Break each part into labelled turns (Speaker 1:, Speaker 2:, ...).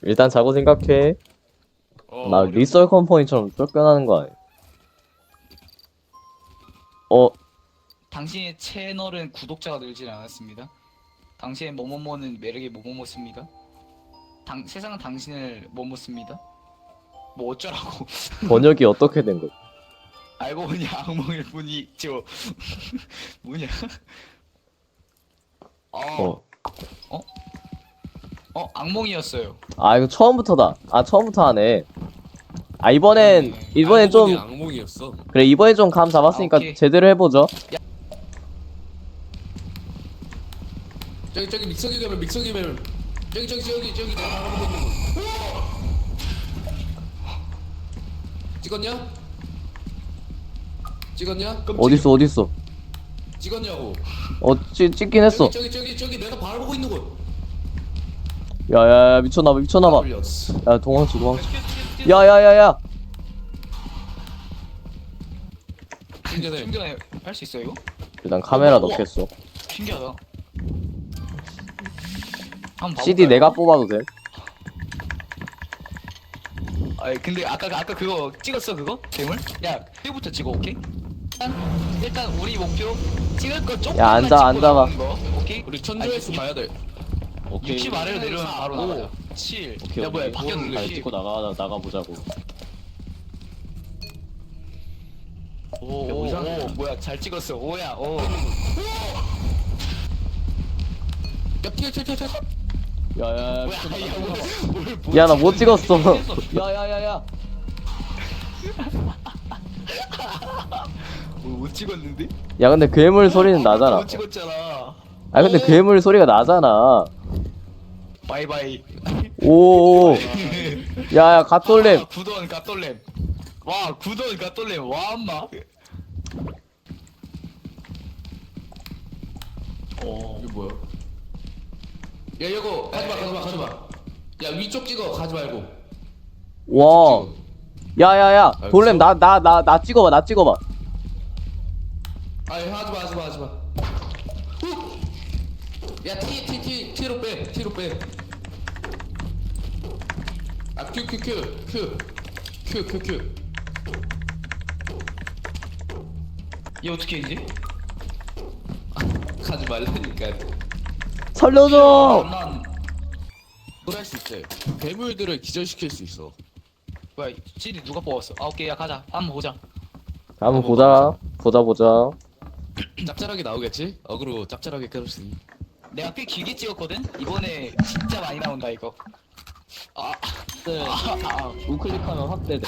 Speaker 1: 일단 자고 생각해. 나 리썰 컴퍼니처럼 쫓겨나는 거 아니야?
Speaker 2: 당신의 채널은 구독자가 늘지 않았습니다. 당신의 뭐뭐뭐는 매력의 뭐뭐뭐습니다. 세상은 당신을 뭐뭐습니다. 뭐 어쩌라고.
Speaker 1: 번역이 어떻게 된 거야?
Speaker 2: 알고 보니 악몽일 뿐이죠. 뭐냐? 악몽이었어요.
Speaker 1: 아 이거 처음부터다. 아 처음부터 하네. 아 이번엔 좀
Speaker 3: 악몽이었어.
Speaker 1: 그래 이번엔 좀 감 잡았으니까
Speaker 2: 오케이.
Speaker 1: 제대로 해보죠.
Speaker 3: 저기 믹서기 가면 저기 내가 바라보고 있는 거. 찍었냐?
Speaker 1: 어딨어?
Speaker 3: 찍었냐고.
Speaker 1: 찍긴 했어.
Speaker 3: 저기 내가 바라보고 있는 거.
Speaker 1: 야야야 미쳤나봐.
Speaker 3: 올렸어.
Speaker 1: 야 도망쳐. 야야야야.
Speaker 3: 충전해.
Speaker 2: 충전해 할 수 있어 이거?
Speaker 1: 일단 카메라 넣겠어.
Speaker 2: 신기하다. 한번
Speaker 1: CD
Speaker 2: 봐볼까요?
Speaker 1: 내가 뽑아도 돼?
Speaker 2: 아니 근데 아까 그거 찍었어 그거? 괴물? 야 그부터 찍어 오케이? 일단 우리 목표 찍을 거 조금만
Speaker 1: 야, 앉아,
Speaker 2: 찍고
Speaker 1: 앉아봐.
Speaker 2: 나오는 거, 오케이?
Speaker 3: 우리 천조회수 봐야 돼.
Speaker 2: 60 아래로 내려면 바로 나가자 7 야 뭐야 바뀌었는데 10
Speaker 1: 나가보자고.
Speaker 2: 오 뭐야 잘 찍었어 오야 오
Speaker 3: 야 튀어.
Speaker 1: 야야야.
Speaker 2: 뭐야
Speaker 1: 야 나 못 찍었어. 야야야야.
Speaker 2: 못 찍었는데?
Speaker 1: 야 근데 괴물 소리는 나잖아.
Speaker 2: 못 찍었잖아
Speaker 1: 아 근데 괴물 소리가 나잖아.
Speaker 2: 바이바이
Speaker 1: 오. 야야 갓돌렘.
Speaker 2: 구돈 갓돌렘 와 구돈 갓돌렘 와 엄마
Speaker 3: 이거 뭐야? 야 이거 가지마. 야 위쪽 찍어 가지 말고.
Speaker 1: 와. 야야야 돌렘 나 찍어봐.
Speaker 3: 아니 하지마. 야 T로 빼. 아 Q.
Speaker 2: 얘 어떻게 이제?
Speaker 3: 가지 말라니까.
Speaker 1: 살려줘.
Speaker 2: 난
Speaker 3: 그럴 수 있대. 괴물들을 기절시킬 수 있어.
Speaker 2: 뭐야 CD 누가 뽑았어? 아 오케이 야 가자 한번 보자
Speaker 1: 한번 보자.
Speaker 3: 짭짤하게 나오겠지? 어그로 짭짤하게 끌었으니.
Speaker 2: 내가 꽤 길게 찍었거든? 이번에 진짜 많이 나온다 이거
Speaker 1: 네. 우클릭하면 확대돼.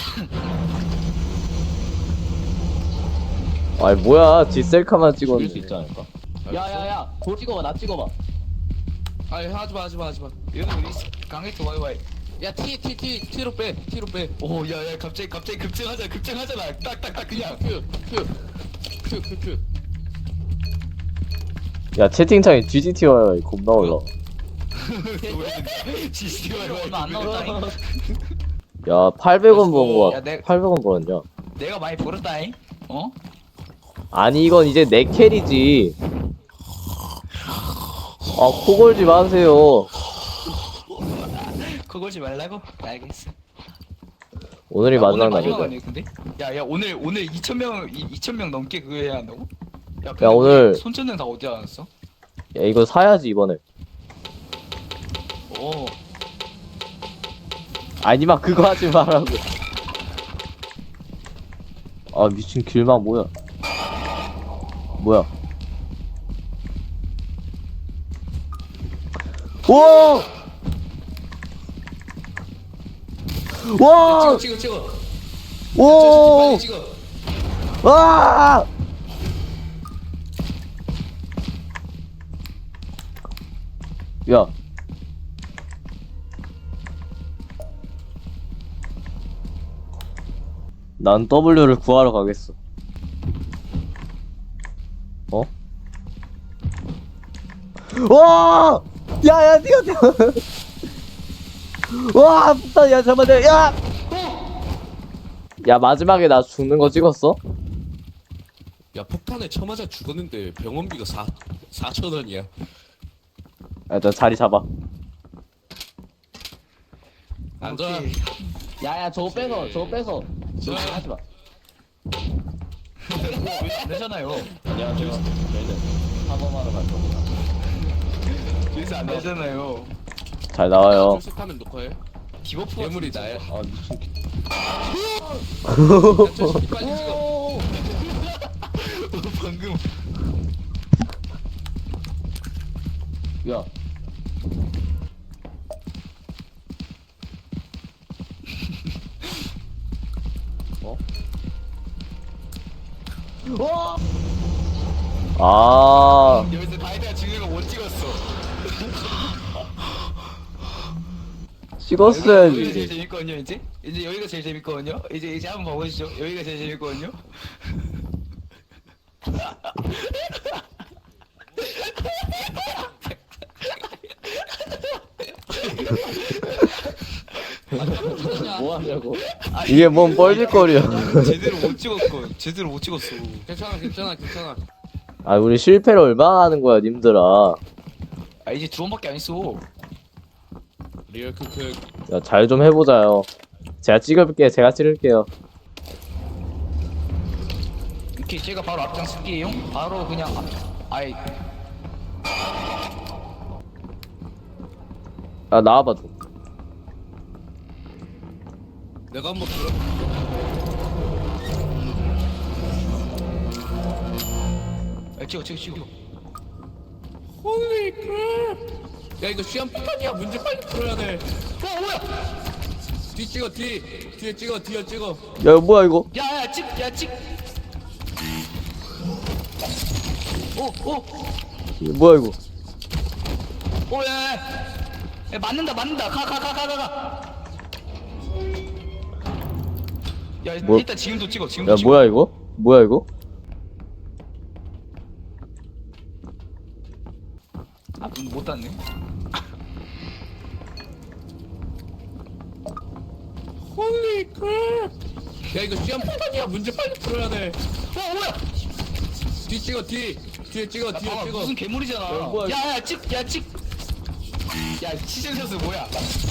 Speaker 1: 아니 뭐야 뒷셀카만 찍었는데.
Speaker 3: 수 있지 않을까?
Speaker 1: 야야야 도 찍어봐 나 찍어봐.
Speaker 3: 아니 하지마.
Speaker 2: 얘는 우리 강해트 와이와이
Speaker 3: 야 T로 빼.
Speaker 2: 오 야야 갑자기 급증하잖아 딱딱딱 그냥
Speaker 3: Q.
Speaker 1: 야 채팅창에 GGT 와요 겁나 올라.
Speaker 2: 지시 얼마 안 나왔다잉
Speaker 1: 야 800원 번 거야.
Speaker 2: 야,
Speaker 1: 800원 벌었냐?
Speaker 2: 내가 많이 벌었다잉 어?
Speaker 1: 아니 이건 이제 내 캐리지. 아 코골지 마세요.
Speaker 2: 그걸지 말라고? 알겠어
Speaker 1: 오늘이
Speaker 2: 야,
Speaker 1: 마지막
Speaker 2: 오늘
Speaker 1: 날이다.
Speaker 2: 아니야 근데? 야 오늘 2,000명 넘게 그거 해야 한다고? 야
Speaker 1: 야, 오늘-
Speaker 2: 손전등 다 어디다 놨어?
Speaker 1: 야 이거 사야지 이번에.
Speaker 2: 오
Speaker 1: 아니마 그거 하지 말라고. 아 미친 길막 뭐야? 와! 와!
Speaker 3: 찍어.
Speaker 1: 오!
Speaker 3: 빨리 찍어.
Speaker 1: 와! 야. 난 W를 구하러 가겠어. 어? 와! 야, 뛰어. 와, 폭탄, 야, 잠깐만, 야! 야, 마지막에 나 죽는 거 찍었어?
Speaker 3: 야 폭탄에 쳐맞아 죽었는데 병원비가 4,000원이야.
Speaker 1: 야, 나 자리 잡아.
Speaker 3: 앉아.
Speaker 2: 오케이.
Speaker 1: 야야 저거 뺏어 저거 뺏어. 저거 하지 마.
Speaker 2: 안 되잖아요.
Speaker 1: 안녕하세요. 저희는 사범하러 갈 겁니다.
Speaker 2: 여기서 안 되잖아요.
Speaker 1: 잘 나와요.
Speaker 3: 출석하면 녹화해.
Speaker 2: 디버프
Speaker 3: 괴물이 나야.
Speaker 1: 아 미친.
Speaker 3: 저 새끼 빨리 찍어.
Speaker 2: 방금
Speaker 1: 야. 어? 아.
Speaker 2: 여기서 다이다가 진우가 못 찍었어. 여기가 제일
Speaker 1: 찍었어야지.
Speaker 2: 재밌거든요. 이제 여기가 제일 재밌거든요. 이제 한번 봐보시죠. 여기가 제일 재밌거든요.
Speaker 1: 뭐 하냐고. 이게 뭔 뻘짓거리야.
Speaker 2: 제대로 못 찍었어.
Speaker 3: 괜찮아.
Speaker 1: 아 우리 실패를 얼마나 하는 거야 님들아.
Speaker 2: 아 이제 두 번밖에 안 했어.
Speaker 3: 리얼 크크.
Speaker 1: 야 잘 좀 해보자요. 제가 찍을게요.
Speaker 2: 이렇게 제가 바로 앞장 쓸게요. 바로 그냥 아이
Speaker 1: 아 나와봐 좀.
Speaker 3: 내가 한번 들어.
Speaker 2: 찍어.
Speaker 3: 홀리 크랩. 야 이거 시험 패턴이야. 문제 빨리 풀어야 돼.
Speaker 2: 뭐야?
Speaker 3: 뒤 찍어 뒤. 뒤에 찍어 뒤에 찍어.
Speaker 1: 야 이거 뭐야 이거?
Speaker 2: 야 찍. 오.
Speaker 1: 이거 뭐야 이거?
Speaker 2: 야, 맞는다. 가. 야,
Speaker 1: 뭐-
Speaker 2: 일단 지금도 찍어.
Speaker 1: 야 뭐야 이거? 뭐야 이거?
Speaker 2: 아, 못 땄네.
Speaker 3: 홀리 크랩. 야 이거 시험 패턴이야. 문제 빨리 풀어야 돼.
Speaker 2: 뭐야?
Speaker 3: 뒤 찍어 뒤. 뒤에 찍어 뒤에
Speaker 2: 봐봐,
Speaker 3: 찍어.
Speaker 2: 무슨 괴물이잖아.
Speaker 1: 뭐야,
Speaker 2: 야, 찍. 야, 시즌 선수 뭐야?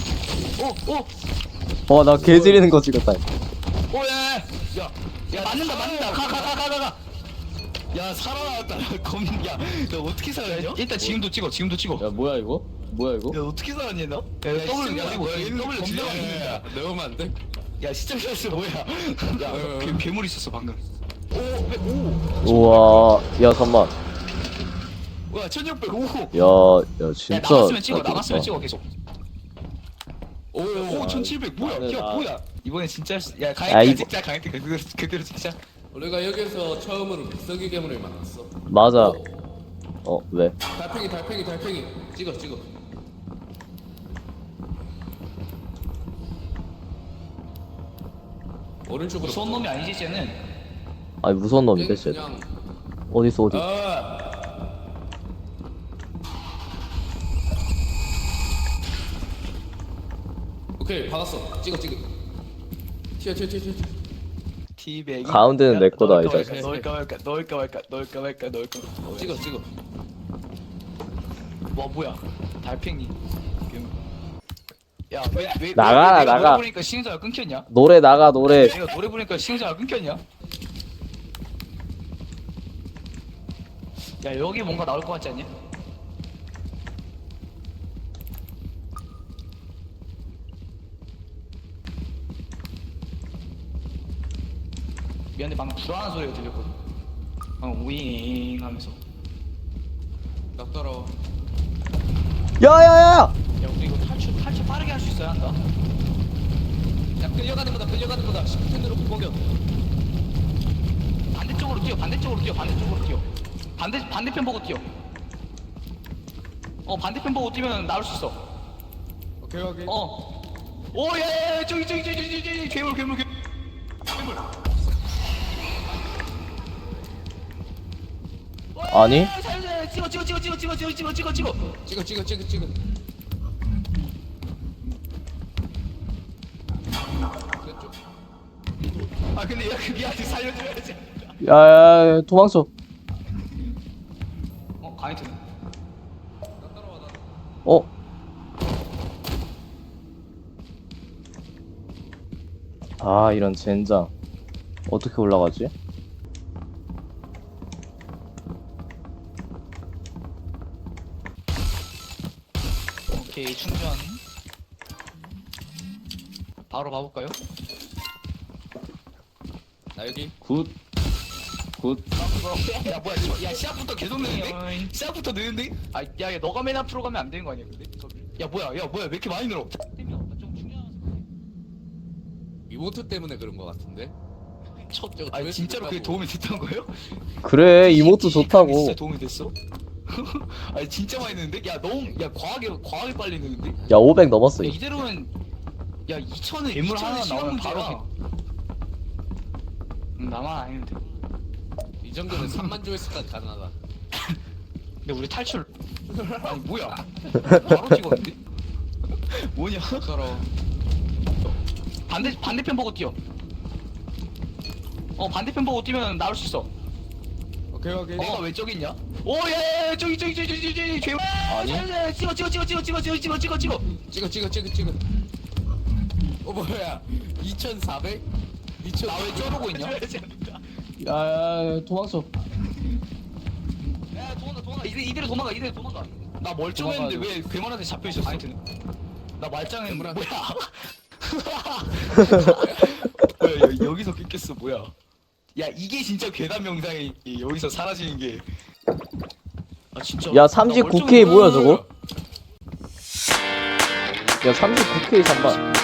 Speaker 2: 오.
Speaker 1: 나 개 지리는 거 찍었다.
Speaker 2: 야, 맞는다. 가. 야, 살아나왔다. 야, 너 어떻게 살았냐? 일단 지금도 찍어.
Speaker 1: 야 뭐야 이거? 뭐야 이거?
Speaker 2: 야, 어떻게 살았냐, 너? 야,
Speaker 3: 더블
Speaker 2: 시청자
Speaker 3: 뭐야?
Speaker 2: W
Speaker 3: 더블
Speaker 2: 질러가 있는다.
Speaker 3: 넣으면 안 돼?
Speaker 2: 야, 시청자 선수 뭐야? 야, 괴물 있었어 방금.
Speaker 1: 우와. 야 잠만.
Speaker 2: 와, 1605.
Speaker 1: 야
Speaker 2: 야,
Speaker 1: 진짜.
Speaker 2: 나갔으면 찍어.
Speaker 1: 나
Speaker 2: 찍어 계속. 오, 1700 뭐야?
Speaker 1: 나는
Speaker 2: 야,
Speaker 1: 나-
Speaker 2: 뭐야? 이번에 진짜 야,
Speaker 1: 야,
Speaker 2: 가야지
Speaker 1: 이거-
Speaker 2: 찍자. 가야지 그대로 찍자.
Speaker 3: 우리가 여기서 처음으로 믹서기 괴물을 만났어.
Speaker 1: 맞아. 왜?
Speaker 3: 달팽이. 찍어. 오른쪽으로.
Speaker 2: 무서운 놈이 아니지 쟤는.
Speaker 1: 아니 무서운 놈인데 쟤.
Speaker 3: 그냥.
Speaker 1: 어딨어 어디?
Speaker 3: 오케이 받았어. 찍어. 튀어.
Speaker 2: 티백이.
Speaker 1: 가운데는 내 거다,
Speaker 2: 넣을까
Speaker 1: 이제.
Speaker 2: 말까. 넣을까.
Speaker 3: 찍어.
Speaker 2: 뭐야? 달팽이. 야, 왜
Speaker 1: 나가라,
Speaker 2: 내가
Speaker 1: 나가.
Speaker 2: 노래 부르니까 신경자가 끊겼냐?
Speaker 1: 노래 나가 노래.
Speaker 2: 내가 노래 부르니까 신경자가 끊겼냐? 야, 여기 뭔가 나올 것 같지 않냐? 미안해, 방금 불안한 소리가 들렸거든. 방금 우잉 하면서.
Speaker 3: 나 따라와.
Speaker 1: 야야야!
Speaker 2: 야, 우리 이거 탈출 빠르게 할 수 있어야 한다.
Speaker 3: 야 끌려가는 거다. 시프트로 공격.
Speaker 2: 반대쪽으로 뛰어. 반대편 보고 뛰어. 반대편 보고 뛰면 나올 수 있어.
Speaker 3: 오케이.
Speaker 2: 오, 야, 저기, 괴물.
Speaker 1: 아니?
Speaker 2: 찍어.
Speaker 3: 찍어. 그쪽.
Speaker 2: 아, 근데 야, 그게 아직 살려줘야지.
Speaker 1: 야야야 도망쳐.
Speaker 2: 강희트.
Speaker 1: 아 이런 젠장. 어떻게 올라가지?
Speaker 2: 오케이 충전. 바로 가볼까요?
Speaker 3: 나 여기.
Speaker 1: 굿.
Speaker 2: 야 뭐야 저, 야 시작부터 계속 느는데? 시작부터 느는데? 아야 너가 맨 앞으로 가면 안 되는 거 아니야 근데? 야 뭐야 왜 이렇게 많이 늘어?
Speaker 3: 이모트 때문에 그런 거 같은데. 저거
Speaker 2: 아니
Speaker 3: 조회수
Speaker 2: 진짜로 그게
Speaker 3: 높다고.
Speaker 2: 도움이 됐던 거예요?
Speaker 1: 그래 이모트
Speaker 2: 진짜
Speaker 1: 좋다고.
Speaker 2: 도움이 됐어? 아니 진짜 많이 느는데? 야 너무 과하게 빨리 느는데?
Speaker 1: 야 500 넘었어.
Speaker 2: 야 이대로는 야 2천은
Speaker 4: 괴물 하나
Speaker 2: 시간
Speaker 4: 나오면
Speaker 2: 문제야. 나만 아니면 돼.
Speaker 3: 이 정도면 3만 조회수까지 가능하다.
Speaker 2: 근데 우리 탈출 아니 뭐야 바로 찍었는데? 뭐냐?
Speaker 3: 서로.
Speaker 2: 반대편 보고 뛰어. 반대편 보고 뛰면 나올 수 있어.
Speaker 3: 오케이.
Speaker 2: 내가 왜 저기 있냐? 오예 저기 죄.
Speaker 1: 아니?
Speaker 2: 찍어.
Speaker 3: 찍어. 뭐야? 2,400?
Speaker 2: 나 왜 저러고 있냐?
Speaker 1: 야 도망쳐.
Speaker 2: 야 도망가. 이대로 도망가. 나 멀쩡했는데 왜 괴물한테 잡혀 있었어? 하여튼 나 말짱했는데 뭐야? 뭐야 여기서 깼겠어 뭐야? 야 이게 진짜 괴담 영상이 여기서 사라지는 게. 아 진짜.
Speaker 1: 야 39K 뭐야 저거? 야 39K 잠깐.